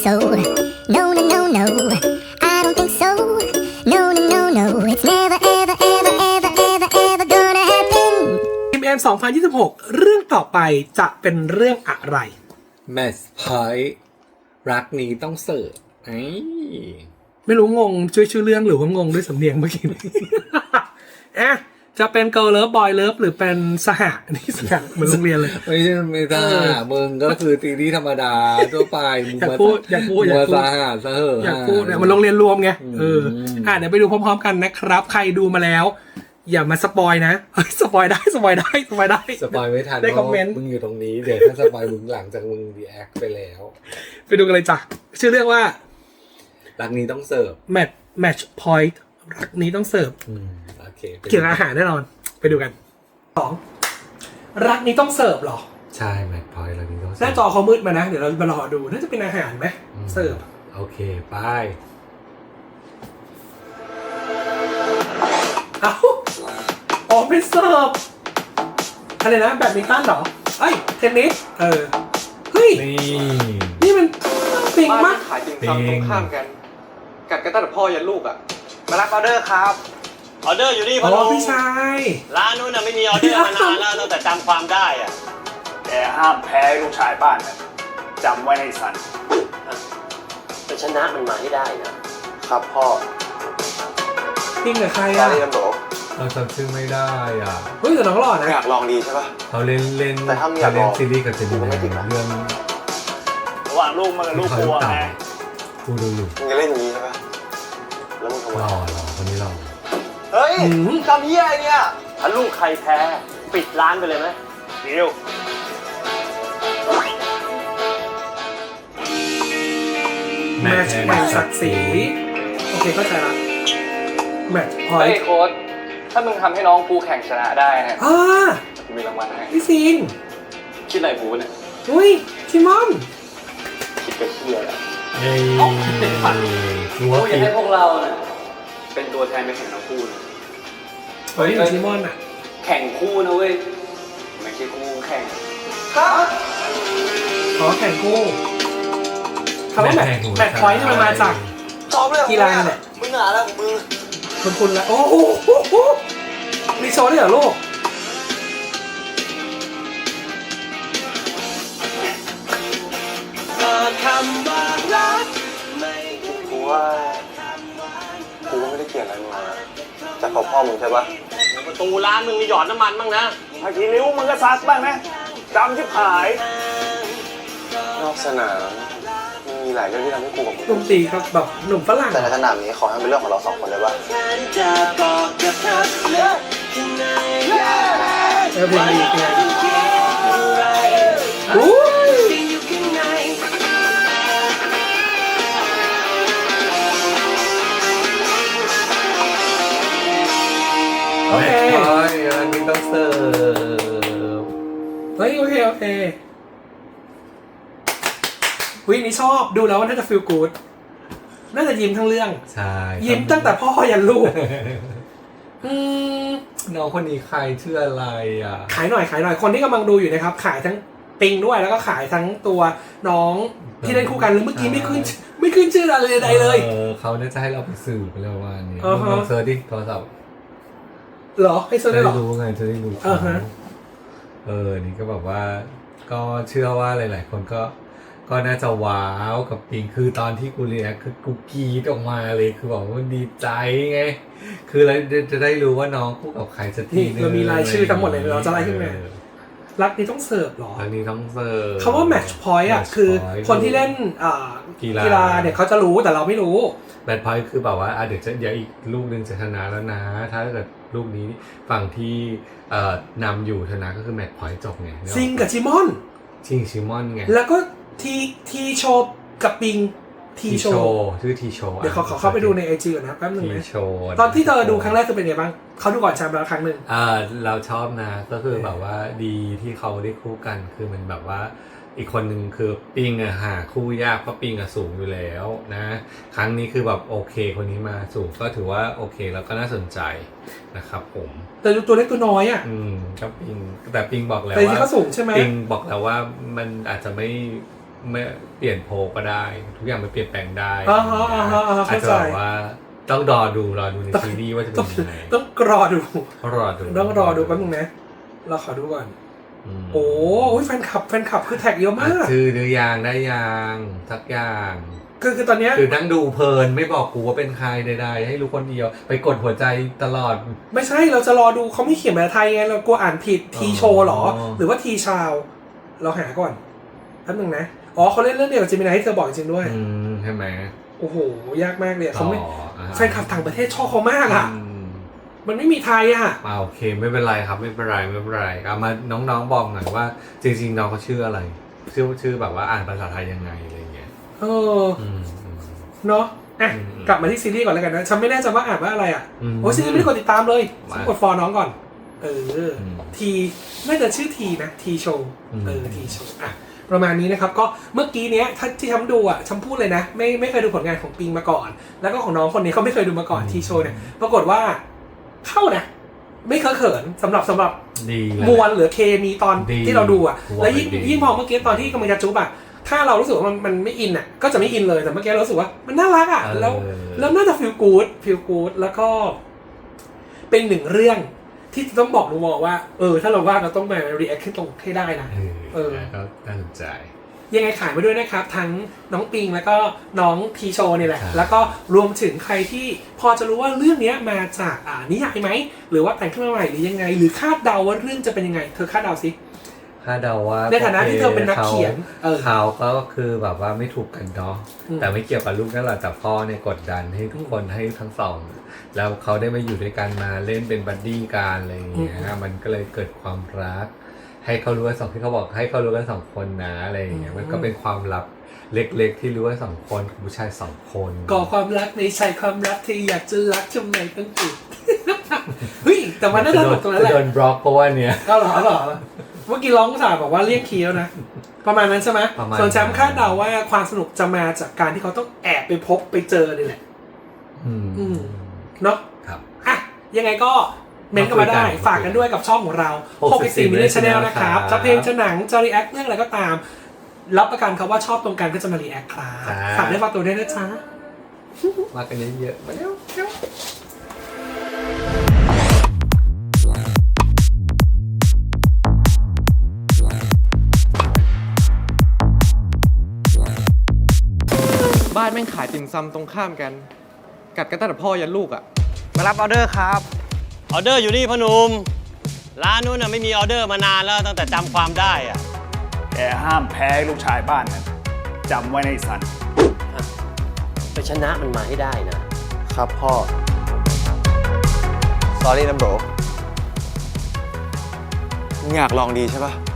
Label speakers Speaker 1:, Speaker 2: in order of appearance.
Speaker 1: so. No, no, no, no. I don't think so. No, no, no, no. It's never, ever, ever, ever, ever, ever gonna happen.
Speaker 2: M 2026 เรื่องต่อไปจะเป็นเรื่องอะไร
Speaker 3: Match Point รักนี้ต้องเสิร์ฟ
Speaker 2: ไม่รู้งงชื่อเรื่องหรือว่างงด้วยสำเนียงเมื่อกี้ อ่ะจะเป็น Girl Love Boy Love หรือเป็นสหะนี่สหะเหมือนโรงเรียนเลย
Speaker 3: ไม่ใช่ไม่ได้มึงก็คือตีที่ธรรมดาทั่วไปมึง
Speaker 2: อยากพูดอยากพูด
Speaker 3: สาหัสซะเหอะ
Speaker 2: อยากพูดเนี่ยมันโรงเรียนรวมไงเดี๋ยวไปดูพร้อมๆกันนะครับ ใครดูมาแล้ว อย่ามาสปอยนะสปอยได้สปอยได้สปอยได้
Speaker 3: สปอยไม่ทัน
Speaker 2: ได้คอมเมนต์
Speaker 3: มึงอยู่ตรงนี้เดี๋ยวถ้าสปอยมึงหลังจากมึงรีแอคไปแล้ว
Speaker 2: ไปดูกันเลยจ้ะชื่อเรื่องว่า
Speaker 3: รักนี้ต้องเสิร์ฟ
Speaker 2: Match Point รักนี้ต้องเสิร์ฟ
Speaker 3: โอเค
Speaker 2: เกี่ยวกับอาหารแน่นอนไปดูกัน2รักนี้ต้องเสิร์ฟหรอ
Speaker 3: ใช่ Match Point รักนี้ต้องเสิ
Speaker 2: หน้า
Speaker 3: ร์ฟ
Speaker 2: จอเขามืดมานะเดี๋ยวเรามารอดูน่าจะเป็นอาหารไหมเสิร์ฟ
Speaker 3: โอเคไป
Speaker 2: เอ้าอ๋อเป็นเสิร์ฟอะไรนะแบดมินตันเหรอเอ้ยเทนนิสเฮ้ย นี่มันปิงมาก
Speaker 4: ขายติ่มซำตรงข้ามกัน กัดกันตั้งแต่พ่อยันลูกอ่ะ มารับออเดอร์ครับ
Speaker 5: ออเดอร์อยู่นี่
Speaker 2: อ๋
Speaker 5: พ่อ
Speaker 2: อ
Speaker 5: ลุง
Speaker 2: พี่ชาย
Speaker 5: ร้านนู้นน่ะไม่มีออเดอร์มานานแล้วตั้งแต่จำความได้อะ
Speaker 6: แต่ห้ามแพ้ลูกชายบ้านนะจำไว้ให้สัน
Speaker 5: จะชนะมันมาให้ได้นะครับ
Speaker 4: พ่อ
Speaker 2: ปิงกับใคร
Speaker 4: ตอน
Speaker 2: อ่ะ
Speaker 4: นี้กันโหล
Speaker 3: เราจำชื่อไม่ได้อ่ะ
Speaker 2: เฮ้ยแต่น้องหล่อนะ
Speaker 4: อยากลองดีใช่ป่ะ
Speaker 3: เขาเล่น
Speaker 4: แต่ถ้าไม่อยาก
Speaker 3: เล่น
Speaker 4: ลอง
Speaker 3: ซีรีส์กับเจมินาเรื่อง
Speaker 6: ระหว่างลูกมันกับลูกกลัวไง
Speaker 3: กูดูอยู่
Speaker 4: มึงจะเล่นอย่างนี้ใช่ป่ะ แล้วมึงทำไม
Speaker 3: หล่อคนนี้หล่อ
Speaker 4: เฮ้ยทำเหี้ยอะไรเนี่ย
Speaker 5: ถ้าลูกใครแพ้ปิดร้านไปเลยไหม
Speaker 6: เดียว
Speaker 2: แมทช์แห่งศักดิ์ศรีโอเคเข้าใจละแมทช์พอ
Speaker 4: เฮ้
Speaker 2: ย
Speaker 4: ยโค้ดถ้ามึงทำให้น้องกูแข่งชนะได้เนี่ย กูมีรางวัลให้
Speaker 2: พี่ซิง
Speaker 4: คิดอะไรกูเนี่ย
Speaker 2: อุ้ยชิมอน
Speaker 4: คิดกับเหี้ยแหละ
Speaker 3: เฮ้ยรู้
Speaker 4: กู
Speaker 3: ว่า
Speaker 4: อยาก
Speaker 3: ปี
Speaker 4: ให้พวกเราเนี่ยเป็นตัวแทนไปแข่งทั้งคู่นะ
Speaker 2: เฮ้ยชิมอนอ่ะ
Speaker 4: แข่งคู่นะเว้ย ไม่ใช่คู่แข่ง
Speaker 2: ขอแข่งคู่คำว่าแมทช์พอยต์นี่มันมาจาก
Speaker 4: ซ้อมเลย
Speaker 2: กีฬาเนี่ย
Speaker 4: มึงหนาแล้วของมึง
Speaker 2: คุณละโอ้โหมีโชว์ด้วยเหรอลูก
Speaker 4: กูว่ากูก็ไม่ได้เกลียดอะไรมึงนะแต่ขอพ่อมึงใช่ปะ
Speaker 5: ประตูร้านมึงมีหยอดน้ำมันบ้างนะ
Speaker 6: ถ้าทีนิ้วมึงก็ซักบ้างนะจำชิบหาย
Speaker 4: นอกสนามมันมีหลายเรื่องที่ทำให้กูกับมึง
Speaker 2: ดนตรีครับแบบหนุ่มฝรั่ง
Speaker 4: แต่ในสนามนี้ขอให้เป็นเรื่องของเราสองคนเลยปะ
Speaker 2: เพลงดีเพลงอู้โอเค
Speaker 3: แมทพอยต์รักนี้ต้องเสิร์ฟ
Speaker 2: เฮ้ยโอเควินี่ชอบดูแล้วว่าน่าจะฟีลกู๊ดน่าจะยิ้มทั้งเรื่อง
Speaker 3: ใช่
Speaker 2: ยิ้มตั้งแต่พ่อยันลูก
Speaker 3: น้องคนนี้ใครชื่ออะไรอ่ะ
Speaker 2: ขายหน่อยคนที่กำลังดูอยู่นะครับ ขายทั้งปิงด้วยแล้วก็ขายทั้งตัวน้องที่เล่นคู่กันหรือเมื่อกี้ไม่ขึ้นชื่ออะไรใดเลย
Speaker 3: เขาน่าจะให้เราไปสืบไปแล้วว่านี้
Speaker 2: อ่าฮะ
Speaker 3: ลองเซิร์ชดิโทรศัพท์
Speaker 2: เหรอให้เซิร์ชได้เหรอ
Speaker 3: รู้ไงจะได้รู้
Speaker 2: อ่าฮะ
Speaker 3: นี่ก็แบบว่า ก็เชื่อว่าหลาย ๆ คนก็น่าจะว้าวกับปิงคือตอนที่กูเรียกคือกูกรีดออกมาเลยคือบอกว่าดีใจไงคือเราจะได้รู้ว่าน้องคู่กับใครสักที
Speaker 2: นี่เรามีรายชื่อทั้งหมดเลยเราจะไล่ขึ้นมารักนี้ต้องเสิร์ฟเหรอ
Speaker 3: อันนี้ต้องเสิร์ฟ
Speaker 2: คำว่า match point อ่ะ
Speaker 3: Match
Speaker 2: คือ
Speaker 3: point
Speaker 2: คนที่เล่น
Speaker 3: กี
Speaker 2: กีฬาเนี่ยเขาจะรู้แต่เราไม่รู้
Speaker 3: แมทพอยต์คือแบบว่าเดี๋ยวอีกลูกนึงจะชนะแล้วนะ ถ้าเกิดลูกนี้ฝั่งที่นำอยู่ชนะก็คือแมทพอยต์จบไง
Speaker 2: ซิงกับชิมอน
Speaker 3: ชิมอนไง
Speaker 2: แล้วก็ทีโชว์กับปิงทีโชว์
Speaker 3: ชื่อทีโช
Speaker 2: เดี๋ยวเขาเข้าไปดูในไอจีก่อนนะแป๊บนึง
Speaker 3: ที
Speaker 2: นะ
Speaker 3: โชว์
Speaker 2: ตอนที่เธอดูครั้งแรกคือเป็นไงบ้างเขาดูก่อนแชมป์แล้วครั้งหนึ่ง
Speaker 3: เราชอบนะก็คือแบบว่าดีที่เขาได้คู่กันคือมันแบบว่าอีกคนหนึ่งคือปิงหาคู่ยากเพราะปิงสูงอยู่แล้วนะครั้งนี้คือแบบโอเคคนนี้มาสูงก็ถือว่าโอเคแล้วก็น่าสนใจนะครับผม
Speaker 2: แต่ดูตัวเล็กตัวน้อยอ่ะ
Speaker 3: ก็ปิงแต่ปิงบอกแล้ว
Speaker 2: แต่ที่
Speaker 3: ว่า
Speaker 2: เขาสูงใช่ไหม
Speaker 3: ปิงบอกแล้วว่ามันอาจจะไม่ไม่เปลี่ยนโพลก็ได้ ทุกอย่างมันเปลี่ยนแปลงได้
Speaker 2: อ่าฮะ
Speaker 3: อาจ
Speaker 2: เข้า
Speaker 3: จะ
Speaker 2: ใจ
Speaker 3: แบบว่าต้องรอดูในซีรีส์ว่าจะเป็นยังไง
Speaker 2: ต้องรอดู
Speaker 3: รอดู
Speaker 2: ต้องรอดูแป๊บนึงนะเราขอดูก่อน
Speaker 3: ม
Speaker 2: โอ้ยแฟนคลับคือแท็กเยอะมาก
Speaker 3: ชื่อหรือยังได้ยังสักอย่าง
Speaker 2: คือตอนเนี้ย
Speaker 3: คือนั่งดูเพลินไม่บอกกูว่าเป็นใครใดๆให้รู้คนเดียวไปกดหัวใจตลอด
Speaker 2: ไม่ใช่เราจะรอดูเขาไม่เขียนภาษาไทยไงเรากลัวอ่านผิดทีโชว์หรอ หรือว่าทีชาวเราหาก่อนแป๊บนึงนะอ๋อเขาเล่นเรื่องเดียวกับจิมินายให้เธอบอกจริงด้วย
Speaker 3: ใช่ไหม
Speaker 2: โอ้โหยากมากเลยเขาไม่
Speaker 3: อ่า
Speaker 2: แฟนคลับต่างประเทศชอบเขามากอ่ะ มันไม่มีไทยอ่ะ
Speaker 3: โอเคไม่เป็นไรครับไม่เป็นไรเอามาน้องๆบอกหน่อยว่าจริงๆน้องเขาชื่ออะไรชื่อแบบว่าอ่านภาษาไทยยังไงอะไรเงี้ย
Speaker 2: เนาะอ่ะ
Speaker 3: อืม
Speaker 2: กลับมาที่ซีรีส์ก่อนแล้วกันนะฉันไม่แน่ใจว่าอ่านว่าอะไรอ่ะ โอ้ซีรีส์ไม่ได้กดติดตามเลย
Speaker 3: มา
Speaker 2: ฉันกดฟอลน้องก่อนม ทีน่าจะชื่อทีนะทีโชว์ ทีโชว์อ่ะประมาณนี้นะครับก็เมื่อกี้เนี้ยถ้าที่ฉันดูอ่ะฉันพูดเลยนะไม่เคยดูผลงานของปิงมาก่อน แล้วก็ของน้องคนนี้เขาไม่เคยดูมาก่อนทีโชว์เนี่ยปรากฏว่าเข้านะไม่เคอะเขินสำหรับ
Speaker 3: ดีเลย
Speaker 2: มวลหรือเคมีตอน
Speaker 3: ดี
Speaker 2: ที่เราดูอ่ะ
Speaker 3: มวล
Speaker 2: แล้วยิ่ง
Speaker 3: ดี
Speaker 2: ยิ่งพอเมื่อกี้ตอนที่กำลังจะจุ๊บอ่ะถ้าเรารู้สึกว่ามันไม่อินอ่ะก็จะไม่อินเลยแต่เมื่อกี้เรารู้สึกว่ามันน่ารักอ่ะแล้วน่าจะฟีลกู๊ดแล้วก็เป็นหนึ่งเรื่องที่ต้องบอกดูมองว่าถ้าเราว่าเราต้องมา react ขึ้นตรงให้ได้นะ
Speaker 3: ก็น่าสนใจ
Speaker 2: ยังไงขายมาด้วยนะครับ ทั้งน้องปิงแล้วก็น้องทีโชนี่แหละ
Speaker 3: ครับ
Speaker 2: แล้วก็รวมถึงใครที่พอจะรู้ว่าเรื่องนี้มาจากนิยายไหมหรือว่าแต่งขึ้นมาใหม่หรือยังไง หรือคาดเดาว่าเรื่องจะเป็นยังไงเธอคาดเดาสิ
Speaker 3: คาดเดาว่า
Speaker 2: ในฐานะที่เธอเป็นนักเขียน
Speaker 3: เขาก็คือแบบว่าไม่ถูกกันเนาะแต่ไม่เกี่ยวกับลูกนั่นแหละแต่พ่อเนี่ยกดดันให้ทุกคนให้ทั้งสองแล้วเขาได้มาอยู่ด้วยกันมาเล่นเป็นบัดดี้กันอะไรอย่างเงี้ยมันก็เลยเกิดความรักให้เขารู้กันสองที่เขาบอกให้เขารู้กันสองคนนะอะไรอย่างเงี้ยมันก็เป็นความลับเล็กๆที่รู้กันสองคนผู้ชายสองคน
Speaker 2: ก่อความรักในใจความรักที่อยากจะรักทำไมต้องติด เฮ้ยแต่มันน่าจะตรงนั้นแหละ
Speaker 3: โดนบล็อกเพราะว่าเนี่ย
Speaker 2: เอาเหรอเมื่อกี้ร้องภาษาบอกว่าเรียกคีย์แล้วนะประมาณนั้นใช่ไหม
Speaker 3: ประมาณ
Speaker 2: ส่วนแชมป์คาดเดาว่าความสนุกจะมาจากการที่เขาต้องแอบไปพบไปเจอนี่แหละเนาะ
Speaker 3: ครับ
Speaker 2: อ่ะยังไงก็เมนต์กันมาได้ฝากกันด้วยกับช่องของเรา64 Minute Channel นะครับจะเพลงจะหนังจะรีแอคเรื่องอะไรก็ตามรับประกันครับว่าชอบตรงกันก็จะมารีแอคครับฝากได้ฝากตัวด้วยนะจ๊ะ
Speaker 3: มากันเยอะๆมาเร็ว
Speaker 7: บ้านแม่งขายติ่มซำตรงข้ามกัน กัดกันตั้งแต่พ่อยันลูกอ่ะ
Speaker 6: มารับออเดอร์ครับ
Speaker 5: ออเดอร์อยู่นี่พ่อหนุ่มร้านนู้นน่ะไม่มีออเดอร์มานานแล้วตั้งแต่จำความได้อะ
Speaker 6: แกห้ามแพ้ลูกชายบ้านนะจำไว้ในสัน
Speaker 5: ไปชนะมันมาให้ได้นะ
Speaker 4: ครับพ่อ sorry นะ bro มึงอยากลองดีใช่ปะ